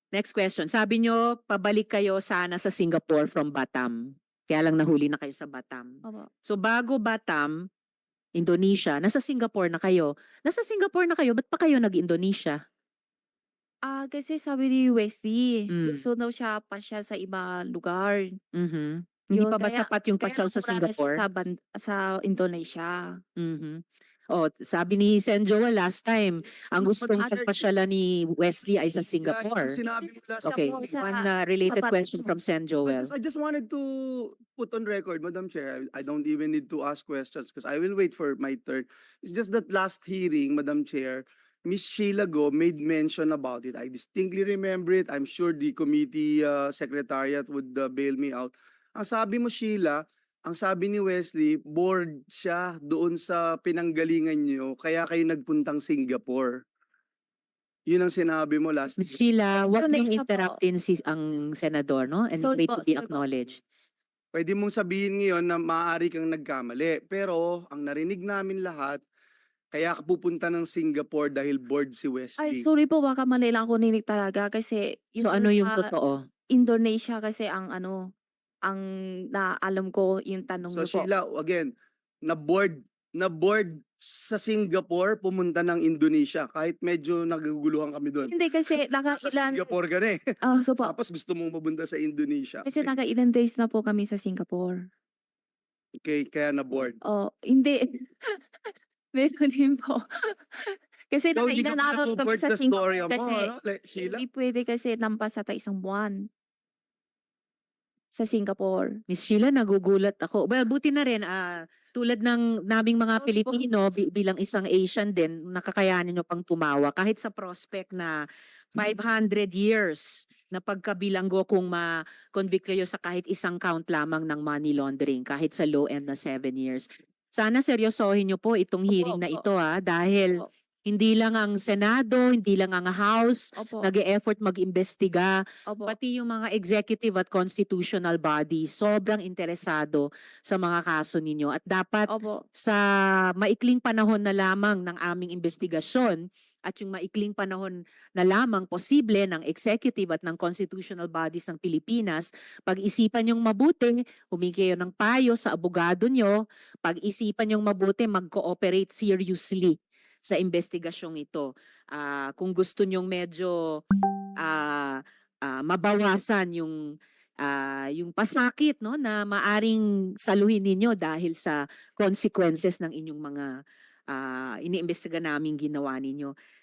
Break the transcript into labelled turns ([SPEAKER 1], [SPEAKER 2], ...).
[SPEAKER 1] Next question. Sabi nyo, pabalik kayo sana sa Singapore from Batam. Kaya lang nahuli na kayo sa Batam.
[SPEAKER 2] Opo.
[SPEAKER 1] So bago Batam, Indonesia, nasa Singapore na kayo. Nasa Singapore na kayo, ba't pa kayo nag-Indonesia?
[SPEAKER 2] Kasi sabi ni Wesley,
[SPEAKER 1] Mm.
[SPEAKER 2] gusto daw siya pasyal sa iba lugar.
[SPEAKER 1] Mhm. Hindi
[SPEAKER 2] Yun,
[SPEAKER 1] pa ba sapat yung
[SPEAKER 2] kaya
[SPEAKER 1] pasyal sa
[SPEAKER 2] nauna na siya
[SPEAKER 1] Singapore?
[SPEAKER 2] sa Indonesia.
[SPEAKER 1] Mhm. Oh, sabi ni Sen Joel last time, ang gustong
[SPEAKER 3] Madam Chair,
[SPEAKER 1] pagpasyalan ni Wesley ay sa
[SPEAKER 3] yung
[SPEAKER 1] Singapore.
[SPEAKER 3] sinabi mo last
[SPEAKER 1] Okay,
[SPEAKER 2] Singapore sa
[SPEAKER 1] one related
[SPEAKER 2] tapat.
[SPEAKER 1] question from Sen Joel.
[SPEAKER 3] I just wanted to put on record, Madam Chair, I don't even need to ask questions because I will wait for my turn. It's just that last hearing, Madam Chair, Miss Sheila Go made mention about it. I distinctly remember it. I'm sure the committee secretariat would bail me out. Ang sabi mo, Sheila, ang sabi ni Wesley, bored siya doon sa pinanggalingan niyo, kaya kayo nagpuntang Singapore. Yun ang sinabi mo last.
[SPEAKER 1] Ms. Sheila, wag niyong
[SPEAKER 2] Indonesia po.
[SPEAKER 1] interruptin ang senador, no? And
[SPEAKER 2] Sorry
[SPEAKER 1] wait
[SPEAKER 2] po,
[SPEAKER 1] to be
[SPEAKER 2] sorry po.
[SPEAKER 1] acknowledged.
[SPEAKER 3] Pwede mong sabihin ngayon na maaari kang nagkamali. Pero ang narinig namin lahat, kaya ka pupunta ng Singapore dahil bored si
[SPEAKER 2] Ay,
[SPEAKER 3] Wesley.
[SPEAKER 2] sorry po, baka mali lang ako ninig talaga kasi
[SPEAKER 1] So
[SPEAKER 2] yun
[SPEAKER 1] ano yung
[SPEAKER 2] sa
[SPEAKER 1] totoo?
[SPEAKER 2] Indonesia kasi ang ang naalam ko yung tanong
[SPEAKER 3] So
[SPEAKER 2] niyo po.
[SPEAKER 3] Sheila, again, na bored sa Singapore, pumunta ng Indonesia. Kahit medyo naguguluhan kami doon.
[SPEAKER 2] Hindi kasi
[SPEAKER 3] Sa
[SPEAKER 2] nakailan,
[SPEAKER 3] Singapore ka na eh.
[SPEAKER 2] so po,
[SPEAKER 3] Tapos gusto mong pumunta sa Indonesia.
[SPEAKER 2] kasi nakailan days na po kami sa Singapore.
[SPEAKER 3] Okay, kaya na-bored.
[SPEAKER 2] Oh, hindi. Meron din po. Kasi
[SPEAKER 3] So, hindi ka
[SPEAKER 2] nakailan araw kami
[SPEAKER 3] matutumpad
[SPEAKER 2] sa
[SPEAKER 3] sa storya
[SPEAKER 2] Singapore
[SPEAKER 3] mo,
[SPEAKER 2] kasi
[SPEAKER 3] ano, Sheila?
[SPEAKER 2] hindi pwede kasi lampas sa isang buwan sa Singapore.
[SPEAKER 1] Miss Sheila, nagugulat ako. Well, buti na rin, tulad ng naming mga
[SPEAKER 2] Sorry po.
[SPEAKER 1] Pilipino, bilang isang Asian din, nakakayanin nyo pang tumawa. Kahit sa prospect na 500 years na pagkabilanggo kung ma-convict kayo sa kahit isang count lamang ng money laundering, kahit sa low end na 7 years. Sana seryosohin nyo po itong hearing na ito dahil
[SPEAKER 2] Opo.
[SPEAKER 1] hindi lang ang Senado, hindi lang ang House,
[SPEAKER 2] Opo.
[SPEAKER 1] nag-e-effort mag-imbestiga,
[SPEAKER 2] Opo.
[SPEAKER 1] pati yung mga executive at constitutional body sobrang interesado sa mga kaso ninyo at dapat
[SPEAKER 2] Opo.
[SPEAKER 1] sa maikling panahon na lamang ng aming investigasyon at yung maikling panahon na lamang posible ng executive at ng constitutional bodies ng Pilipinas, pag-isipan yung mabuti, humingi kayo ng payo sa abogado nyo, pag-isipan yung mabuti, mag-cooperate seriously sa investigasyong ito. Kung gusto nyong medyo mabawasan yung pasakit, no, na maaring saluhin ninyo dahil sa consequences ng inyong mga iniimbestiga naming ginawa ninyo.